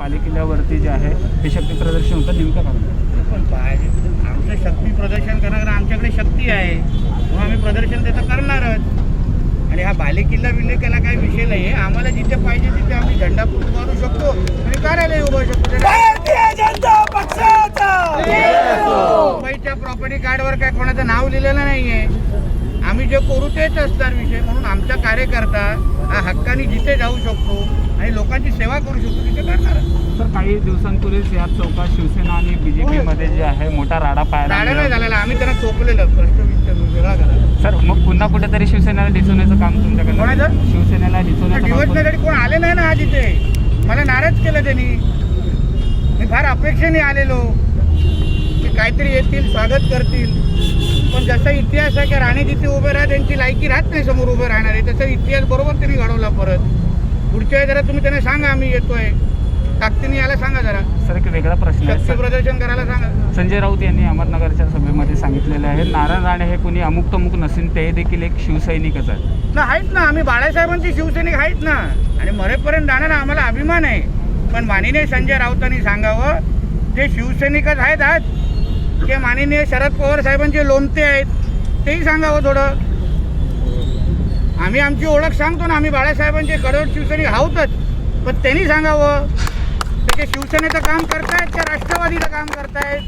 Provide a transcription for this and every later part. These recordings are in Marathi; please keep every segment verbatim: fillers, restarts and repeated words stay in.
पालिकेल्यावरती जे आहे हे शक्ती प्रदर्शन होतं नेमकं कारण पण पाहिजे आमचं शक्ती प्रदर्शन करणार आमच्याकडे शक्ती आहे म्हणून आम्ही प्रदर्शन त्याचं करणारच. आणि हा बालेकिल्ला विलेकिल्ला काही विषय नाही आहे. आम्हाला जिथे पाहिजे तिथे आम्ही झेंडा उभारू शकतो आणि कार्यालय उभारू शकतो. भारतीय जनता पक्षाचा मुंबईच्या प्रॉपर्टी कार्डवर काय कोणाचं नाव लिहिलेलं नाही आहे. आम्ही जे करू तेच असणार विषय. म्हणून आमचा कार्यकर्ता हा हक्काने जिथे जाऊ शकतो आणि लोकांची सेवा करू शकतो तिथे करणार. सर काही दिवसांपूर्वीच या चौकात शिवसेना आणि बीजेपीमध्ये जे आहे मोठा राडा पाहायला राडा नाही मिळाला. झालेला. आम्ही त्यांना चोपलेलं प्रश्न वेगळा करा. सर मग पुन्हा कुठेतरी शिवसेनेला दिसवण्याचं काम तुमच्याकडे कोणाचं? शिवसेनेला दिसवण्याचं काम दिवसण्यासाठी कोण आले नाही ना आज इथे. मला नाराज केलं त्यांनी. मी फार अपेक्षेने आलेलो की काहीतरी येतील स्वागत करतील. पण जसा इतिहास आहे की राणे जिथे उभे राहा त्यांची लायकी राहत नाही समोर उभे राहणारे तसा इतिहास बरोबर त्यांनी घडवला. परत पुढच्या वेळी जरा तुम्ही त्यांना सांगा आम्ही येतोय ताकदीने याला सांगा जरा. सर एक वेगळा प्रश्न आहे. शक्ती प्रदर्शन करायला सांगा. संजय राऊत यांनी अहमदनगरच्या सभेमध्ये सांगितलेले आहे नारायण राणे हे कोणी अमुक तमुक नसेल ते देखील एक शिवसैनिकच आहे. ना आहेत ना आम्ही बाळासाहेबांची शिवसैनिक आहेत ना आणि मरेपर्यंत राहणार आम्हाला अभिमान आहे. पण माननीय संजय राऊतांनी सांगावं ते शिवसैनिकच आहेत आज की माननीय शरद पवार साहेबांचे लोणते आहेत तेही सांगावं थोडं. आम्ही आमची ओळख सांगतो ना. आम्ही बाळासाहेबांचे कडवट शिवसैनिक आहोतच. पण त्यांनी सांगावं ते शिवसेनेचं काम करतायत का राष्ट्रवादीचं काम करतायत.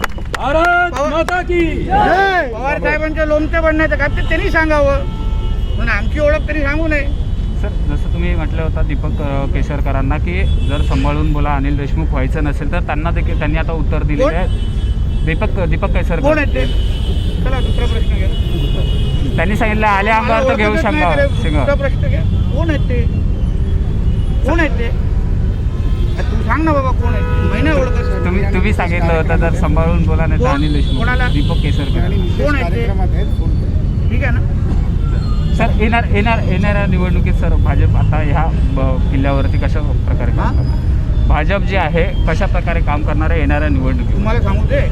पवार साहेबांचे लोणचे बनण्याचं काम ते त्यांनी सांगावं. पण आमची ओळख त्यांनी सांगू नये. सर जसं तुम्ही म्हटलं होतं दीपक अ, केसरकरांना की जर सांभाळून बोला अनिल देशमुख व्हायचं नसेल तर त्यांना देखील त्यांनी आता उत्तर दिलेले आहे. दीपक दीपक कोण केसरकर आहेत ते? चला दुसरा प्रश्न घ्या. त्यांनी सांगितलं आले आमदार तर घेऊ शकता. दुसरा प्रश्न घ्या. कोण आहेत ते? कोण आहेत ते? तू सांग ना बाबा कोण आहेत? महिना ओळखत तुम्ही तुम्ही सांगितलं होतं जर सांभाळून बोला नाही तर कोण? अनिल देशमुख कोणाला? दीपक केसरकर. कोण आहेत ते? ठीक आहे ना. सर येणार येणार येणाऱ्या निवडणुकीत सर भाजप आता ह्या ब- किल्ल्यावरती कशा प्रकारे काम करणार भाजप जे आहे कशा प्रकारे काम करणार आहे येणाऱ्या निवडणुकीत तुम्हाला सांगू दे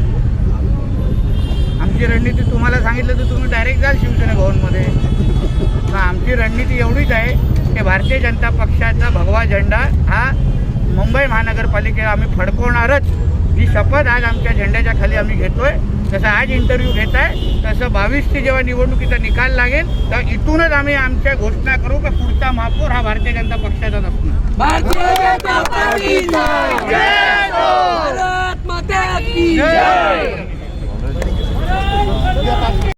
आमची रणनीती तुम्हाला सांगितलं तर तुम्ही डायरेक्ट जाल शिवसेना भवनमध्ये. तर आमची रणनीती एवढीच आहे की भारतीय जनता पक्षाचा भगवा झेंडा हा मुंबई महानगरपालिकेला आम्ही फडकवणारच. ही शपथ आज आमच्या झेंड्याच्या खाली आम्ही घेतोय. जसं आज इंटरव्ह्यू घेत आहे तसं बावीसची जेव्हा निवडणुकीचा निकाल लागेल तर इथूनच आम्ही आमच्या घोषणा करू की पुढचा महापौर हा भारतीय जनता पक्षाचाच असणार. भारतीय जनता पार्टीचा भारत माता की जय.